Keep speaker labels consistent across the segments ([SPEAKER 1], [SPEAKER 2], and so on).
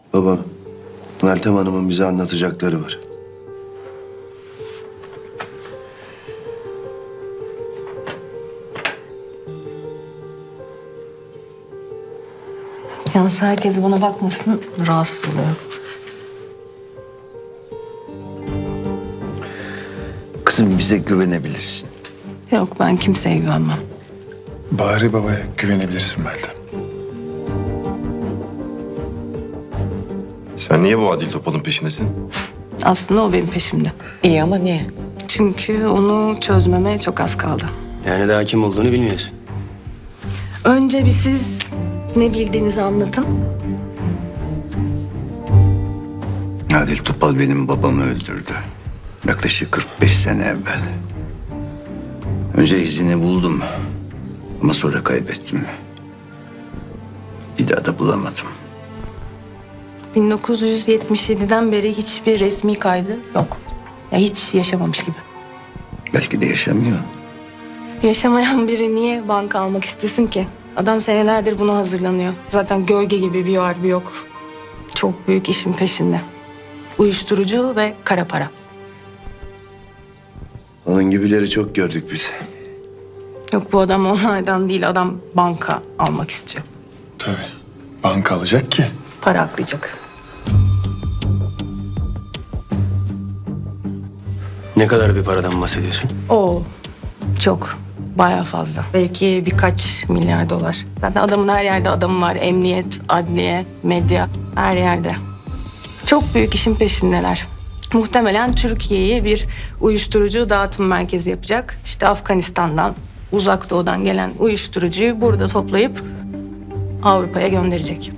[SPEAKER 1] Baba, Meltem Hanım'ın bize anlatacakları var.
[SPEAKER 2] Yalnız herkes bana bakmasın, rahatsız oluyor.
[SPEAKER 3] Kızım bize güvenebilirsin.
[SPEAKER 2] Yok, ben kimseye güvenmem.
[SPEAKER 4] Bahri Baba'ya güvenebilirsin Meltem.
[SPEAKER 5] Sen niye bu Adil Topal'ın peşindesin?
[SPEAKER 2] Aslında o benim peşimde.
[SPEAKER 6] İyi ama niye?
[SPEAKER 2] Çünkü onu çözmeme çok az kaldı.
[SPEAKER 7] Yani daha kim olduğunu bilmiyorsun.
[SPEAKER 2] Önce bir siz ne bildiğinizi anlatın.
[SPEAKER 3] Adil Topal benim babamı öldürdü. Yaklaşık 45 sene evvel. Önce izini buldum. Ama sonra kaybettim. Bir daha da bulamadım.
[SPEAKER 2] 1977'den beri hiçbir resmi kaydı yok. Ya hiç yaşamamış gibi.
[SPEAKER 3] Belki de yaşamıyor.
[SPEAKER 2] Yaşamayan biri niye banka almak istesin ki? Adam senelerdir buna hazırlanıyor. Zaten gölge gibi bir var bir yok. Çok büyük işin peşinde. Uyuşturucu ve kara para.
[SPEAKER 1] Onun gibileri çok gördük biz.
[SPEAKER 2] Yok, bu adam onlardan değil, adam banka almak istiyor.
[SPEAKER 4] Tabii. Banka alacak ki.
[SPEAKER 2] Para aklayacak.
[SPEAKER 7] Ne kadar bir paradan bahsediyorsun?
[SPEAKER 2] Oo, çok. Bayağı fazla. Belki birkaç milyar dolar. Zaten adamın her yerde adamı var. Emniyet, adliye, medya, her yerde. Çok büyük işin peşindeler. Muhtemelen Türkiye'yi bir uyuşturucu dağıtım merkezi yapacak. İşte Afganistan'dan, Uzak Doğu'dan gelen uyuşturucuyu burada toplayıp Avrupa'ya gönderecek.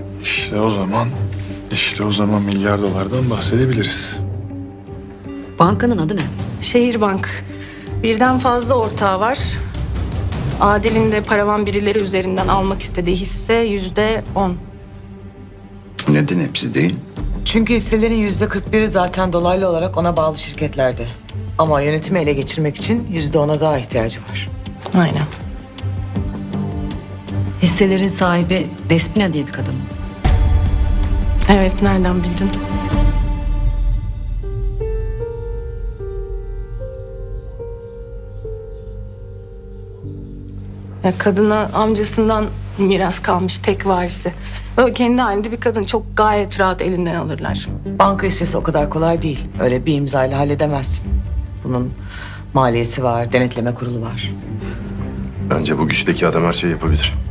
[SPEAKER 4] İşte o zaman milyar dolardan bahsedebiliriz.
[SPEAKER 6] Bankanın adı ne?
[SPEAKER 2] Şehirbank. Birden fazla ortağı var. Adil'in de paravan birileri üzerinden almak istediği hisse %10.
[SPEAKER 3] Neden hepsi değil?
[SPEAKER 6] Çünkü hisselerin %41'i zaten dolaylı olarak ona bağlı şirketlerde. Ama yönetimi ele geçirmek için %10'a daha ihtiyacı var.
[SPEAKER 2] Aynen.
[SPEAKER 8] Hisselerin sahibi Despina diye bir kadın mı?
[SPEAKER 2] Evet, nereden bildin? Ya kadına amcasından miras kalmış, tek varisi. Böyle kendi halinde bir kadın, çok gayet rahat elinden alırlar.
[SPEAKER 6] Banka hissesi o kadar kolay değil. Öyle bir imzayla halledemezsin. Bunun maliyesi var, denetleme kurulu var.
[SPEAKER 5] Bence bu güçteki adam her şeyi yapabilir.